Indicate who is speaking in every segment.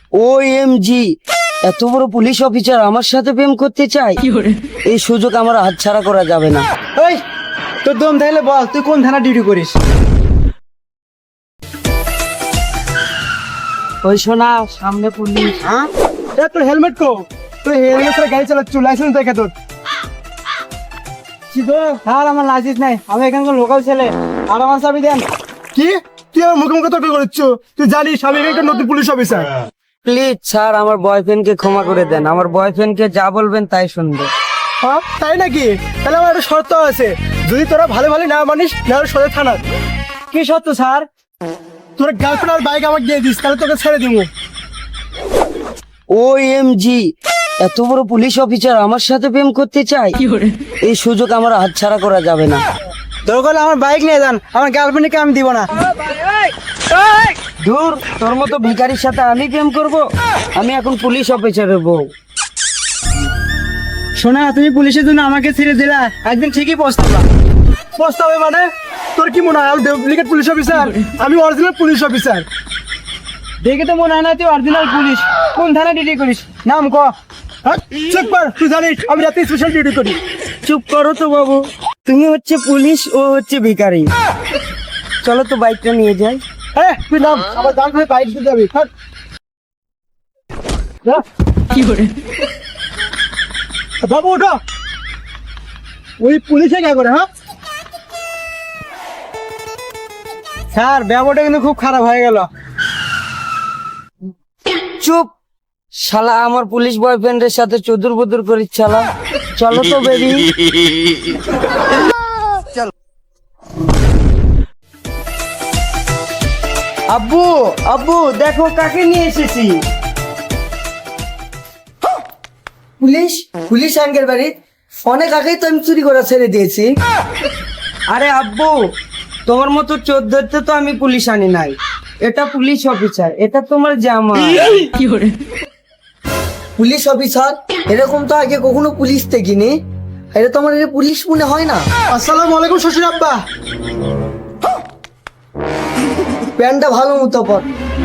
Speaker 1: OMG, এত বড় police officer আমার সাথে প্রেম করতে চাই, এই সুযোগ আমার হাতছাড়া করা যাবে না।
Speaker 2: ওই তোর দম তাইলে বল, তুই কোন থানা ডিউটি করিস?
Speaker 1: ওই শোনা, সামনে পুলিশ।
Speaker 2: হ্যাঁ, তোর হেলমেট কো? তুই হেলমেট ছাড়া গাড়ি চালাচ্ছ, লাইসেন্স দেখে তোর। কি গো? স্যার, আমার লাইসেন্স নাই, আমি এখানকার লোকাল ছেলে, আর আমার চাবি দেন। কি? তুই আমার মুখে মুখে তর্ক করছিস? তুই জানিস আমি এখানকার নতুন পুলিশ অফিসার।
Speaker 1: প্লিজ স্যার, আমার বয়ফ্রেন্ডকে ক্ষমা করে দেন। আমার বয়ফ্রেন্ডকে যা বলবেন তাই শুনবে।
Speaker 2: হ্যাঁ, তাই নাকি? তাহলে আমার একটা শর্ত আছে, যদি তোরা ভালো ভালো না মানিস, না সোজা থানা। কি শর্ত স্যার? তোর গার্লফ্রেন্ড আর বাইক আমাকে দিয়ে দিস, তাহলে তোকে ছেড়ে দিব।
Speaker 1: OMG, এত বড় পুলিশ অফিসার আমার সাথে প্রেম করতে চাই, এই সুযোগ আমার হাতছাড়া করা যাবে না।
Speaker 2: দরকার হলে আমার বাইক নিয়ে যান, আমার গার্লফ্রেন্ডকে আমি দিব না।
Speaker 1: দূর, তোর মতো ভিখারির সাথে আমি প্রেম করব? আমি এখন পুলিশ অফিসারের বউ।
Speaker 2: শোনা, তুমি পুলিশের জন্য আমাকে ছেড়ে দিলা, একদিন ঠিকই পস্তাবা। পস্তাবে মানে? তোর কি মনে হয় আমি ডুপ্লিকেট পুলিশ অফিসার? আমি অরিজিনাল পুলিশ অফিসার। দেখে তো মনে হয় না তুই অরিজিনাল পুলিশ। কোন থানা ডিউটি করিস? নাম ক। চেক কর, তুই জানিস আমি রাতে স্পেশাল ডিউটি করি।
Speaker 1: চুপ করো তো বাবু, তুমি হচ্ছে পুলিশ, ও হচ্ছে ভিখারি। চলো তো বাইকটা নিয়ে যাই।
Speaker 2: হ্যাঁ, তুই নাম, আমার দাম করে বাইক দিয়ে যাবি। কি করে বাবু ওঠো, ওই পুলিশে কে করে? হ্যাঁ স্যার, ব্যবহারটা কিন্তু খুব খারাপ হয়ে গেল।
Speaker 1: চুপ শালা, আমার পুলিশ বয়ফ্রেন্ডের সাথে চুদুর বুদুর করিস শালা। চলো তো বেবি। আব্বু, আব্বু দেখো কাকে নিয়ে এসেছি।
Speaker 3: পুলিশ? পুলিশ আঙ্কেল বাড়ি অনেক আগেই তো আমি চুরি করা ছেড়ে দিয়েছি।
Speaker 1: আরে আব্বু, তোমার মতো চোর ধরতে তো আমি পুলিশ আনি নাই। এটা পুলিশ অফিসার, এটা তোমার জামাই।
Speaker 3: Police officer? এরকম তো আগে কখনো পুলিশ দেখিনি। এটা তো আমার পুলিশ মনে হয় না।
Speaker 2: আসসালামু আলাইকুম শ্বশুর আব্বা।
Speaker 3: প্যান্টটা ভালো মতো পর।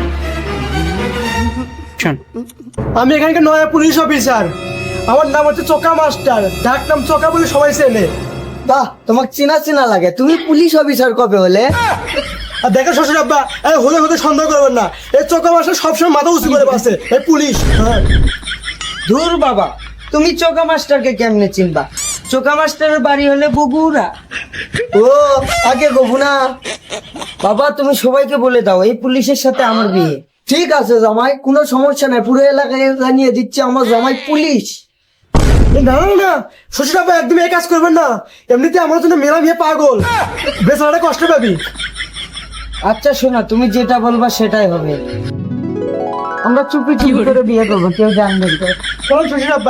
Speaker 2: আমি এখানকার নয়া পুলিশ অফিসার, আমার নাম হচ্ছে চোকা মাস্টার, ডাক নাম চোকা বলে সবাই চেনে।
Speaker 3: বাহ, তোমাকে চেনা চেনা লাগে। তুমি পুলিশ অফিসার কবে হলে?
Speaker 2: আর দেখো শ্বশুর আব্বা, এই হলে হতে সন্দেহ করবেন না, এই চোকা মাস্টার সবসময় মাথা উঁচু করে বাসে, এই পুলিশ। হ্যাঁ,
Speaker 1: ধুর বাবা, তুমি চোকা মাস্টারকে কেমনে চিনবা? চোকা মাস্টারের বাড়ি হলে বগুড়া।
Speaker 3: ও, আগে গবু না।
Speaker 1: বাবা তুমি সবাইকে বলে দাও এই পুলিশের সাথে আমার বিয়ে।
Speaker 3: ঠিক আছে জামাই, কোনো সমস্যা নাই। পুরো এলাকায় জানিয়ে দিচ্ছে আমার জামাই পুলিশ।
Speaker 2: না না না শ্বশুর আব্বা, একদম এই কাজ করবেন না। এমনিতে আমার জন্য মেলা মেয়ে পাগল, বেচারাটা কষ্ট পাবি।
Speaker 1: আচ্ছা শোনা, তুমি যেটা বলবা সেটাই হবে। আমরা চুপি চুপি করে বিয়ে করবো, কেউ জানবে না।
Speaker 2: চলুন শ্বশুর আব্বা।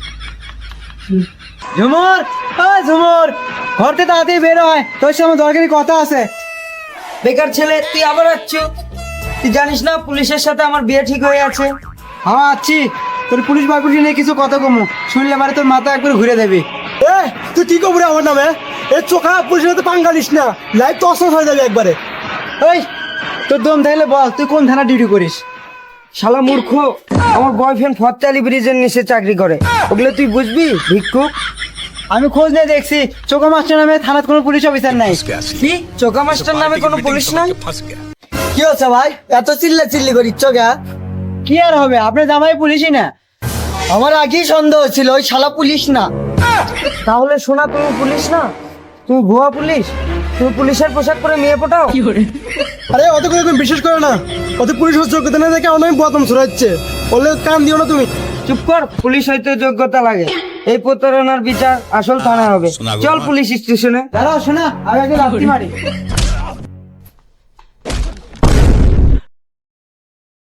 Speaker 2: ঝুমুর, ঝুমুর, ঘর থেকে তাড়াতাড়ি বের হয়, তোর সাথে আমার দরকারি কথা আছে।
Speaker 1: বেকার ছেলে, তুই আবার আসছ? তুই জানিস না পুলিশের সাথে আমার বিয়ে ঠিক হয়ে আছে?
Speaker 2: হ্যাঁ আছি, তোর পুলিশ বাবুটি নিয়ে কিছু কথা কমু, শুনলে মানে তোর মাথা একবার ঘুরে দেবে। এ তুই কি করবি আমার নামে? এই চোখা পুলিশের সাথে পাঙ্গালিস না, লাইফ তো অসহ্য হয়ে যাবে একবারে। ওই তোর দম তাইলে বল, তুই কোন থানা ডিউটি করিস?
Speaker 1: শালা মূর্খ, আমার বয়ফ্রেন্ড ফতেয়ালি ব্রিজের নিচে চাকরি করে, ওগুলো তুই বুঝবি ভিক্ষুক?
Speaker 2: আমি খোঁজ নিয়ে দেখছি, চোখা মাস্টার নামে থানার কোনো পুলিশ অফিসার নাই।
Speaker 1: কি চোকা মাস্টার নামে কোনো পুলিশ নাই?
Speaker 3: কি হচ্ছে ভাই, এত চিল্লা চিল্লি করিচ্ছ গা?
Speaker 2: কি আর হবে, আপনার জামাই পুলিশই না।
Speaker 3: আমার আগেই সন্দেহ ছিল ওই শালা পুলিশ না।
Speaker 1: তাহলে শোনা, তুমি পুলিশ না, তুমি ভুয়া পুলিশ। তুমি পুলিশের পোশাক পরে মেয়ে পটাও।
Speaker 2: আরে অত করে তুমি বিশ্বাস করো না, অত পুলিশ যোগ্যতা না দেখে অনেক বদম ছড়াচ্ছে, বললে কান দিও না তুমি।
Speaker 1: চুপ কর, পুলিশ হইতে যোগ্যতা লাগে। এই প্রতারণার বিচার আসল থানা হবে। চল পুলিশ স্টেশনে।
Speaker 2: দাঁড়াও শোনা, আমি আগে লাথি মারি।